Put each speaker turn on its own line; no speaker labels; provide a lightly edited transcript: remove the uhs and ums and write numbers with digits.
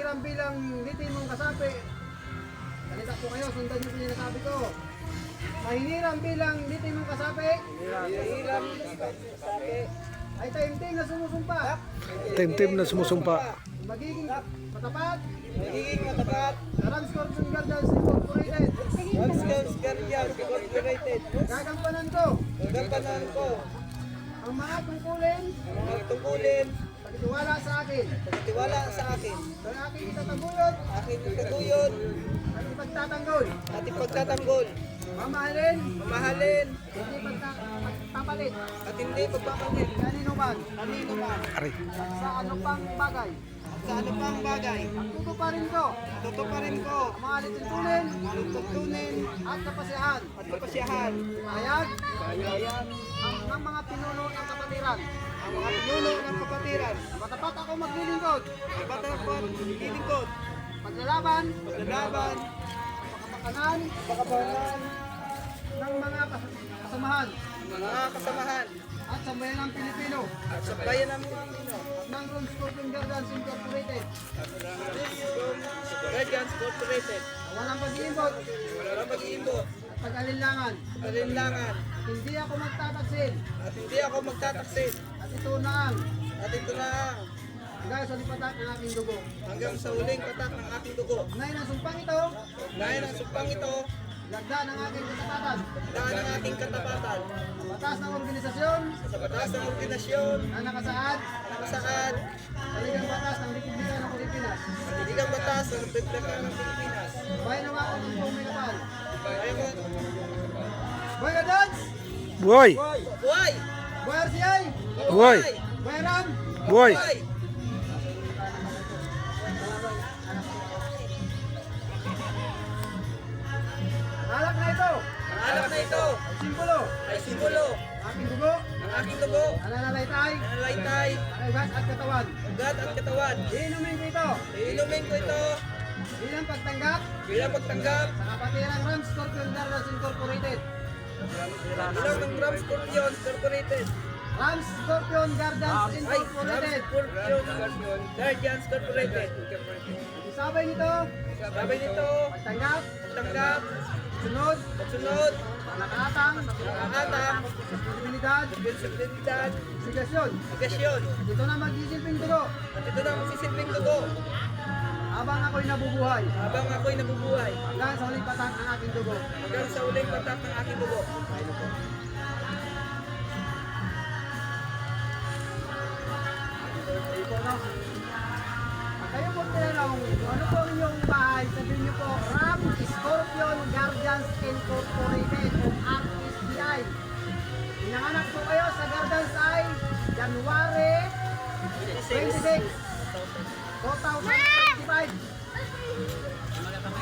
Mahihirang bilang litin mong kasapi. Salita po kayo, sundan niyo po yung nasabi ko. Mahihirang bilang litin mong kasapi.
Mahihirang kasapi.
Ay taimtim na sumusumpa.
Tim-tim na sumusumpa.
Magiging matapat.
Magiging matapat.
Sa Rams Corporation Guardians Incorporated.
Rams Guardians Incorporated.
Gagampanan ko
Gagampanan ko
ang mga tungkulin.
ang mga tungkulin.
Pagtiwala sa akin.
Pagtiwala sa akin.
Sa aking itataguyod
Aking itaguyod
at ipagtatanggol.
at ipagtatanggol.
Mamahalin.
Mamahalin
Hindi pagpapalit.
at hindi pagpapalit.
Kanino man.
Kanino man.
Ari.
Sa ano pang bagay.
Sa ano pang bagay.
Tutuparin ko
Tutuparin ko
ang mga lituntunin
ang tuntunin
at kapasiyahan.
at kapasyahan.
Hayag
Kayayan
ng mga pinuno ng kapatiran.
ang mga pinuno ng kapatiran.
Matapat ako maglilingkod.
Kapatapat, lilingkod,
Paglalaban.
paglalaban,
Pakapakanan
pakabangan
ng mga kasamahan.
mga kasamahan
At sambayan ng Pilipino.
at sa bayan ng Pilipino.
Ng Rams Corporation Guardians Incorporated.
Guardians Corporated.
Walang pag-iimbot
Walang mag-iimbot
at pag-alinlangan.
at alinlangan
Hindi ako magtataksil.
at hindi ako magtataksil.
At ito na ang
At ito na ang
hanggang sa lipatak ng aking dugo.
hanggang sa huling patak ng aking dugo.
Ngayon ang sumpang ito,
Dahil ang sumpang ito,
lagda ng aking katapatan.
daan ng ating katapatan
Batas ng organisasyon
sa batas ng ordinasyon
na nakasaad
na nakasaad
sa ligang batas ng Republika ng Pilipinas.
sa diligang batas ng Republika ng Pilipinas.
Bayan ng ako ng buong may kapal.
Ayaw ko,
Boy Guardians!
Buhay!
buhay!
Boy RCI!
Buhay!
Boy Ram!
Buhay!
Buhay!
Alak na ito!
Ang alak na ito
Simbolo!
ay simbolo
Aking dugo,
ng aking dugo,
nananalaytay,
nanalaitay,
ang ugat at katawan.
ugat at katawan.
Iinumin ko ito
Iinumin ko ito
bilang pagtanggap
bilang pagtanggap
sa kapatirang Rams Corporation Guardians Incorporated.
bilang ng Rams Scorpion Incorporated.
Rams Scorpion Guardians
Ay,
Incorporated.
Scorpion Guardians Incorporated.
Isabay nito,
Sabay nito,
pagtanggap,
pagtanggap,
sunod,
pagsunod,
nakatang,
nakatang,
posibilidad,
responsibilidad,
sigasyon.
agasyon.
Ito na magsisilbing dugo
At ito na ang magsisilbing dugo
habang ako'y nabubuhay
habang ako'y nabubuhay
hanggang sa huling patak ng aking dugo.
hanggang sa uling patak ng aking dugo.
At kayo po tinanong, ano po ang inyong bahay? Sabihin niyo po, Ram Scorpion Guardians Incorporated o RSGI. Pinanganak po kayo sa Guardians ay January 26, 2025.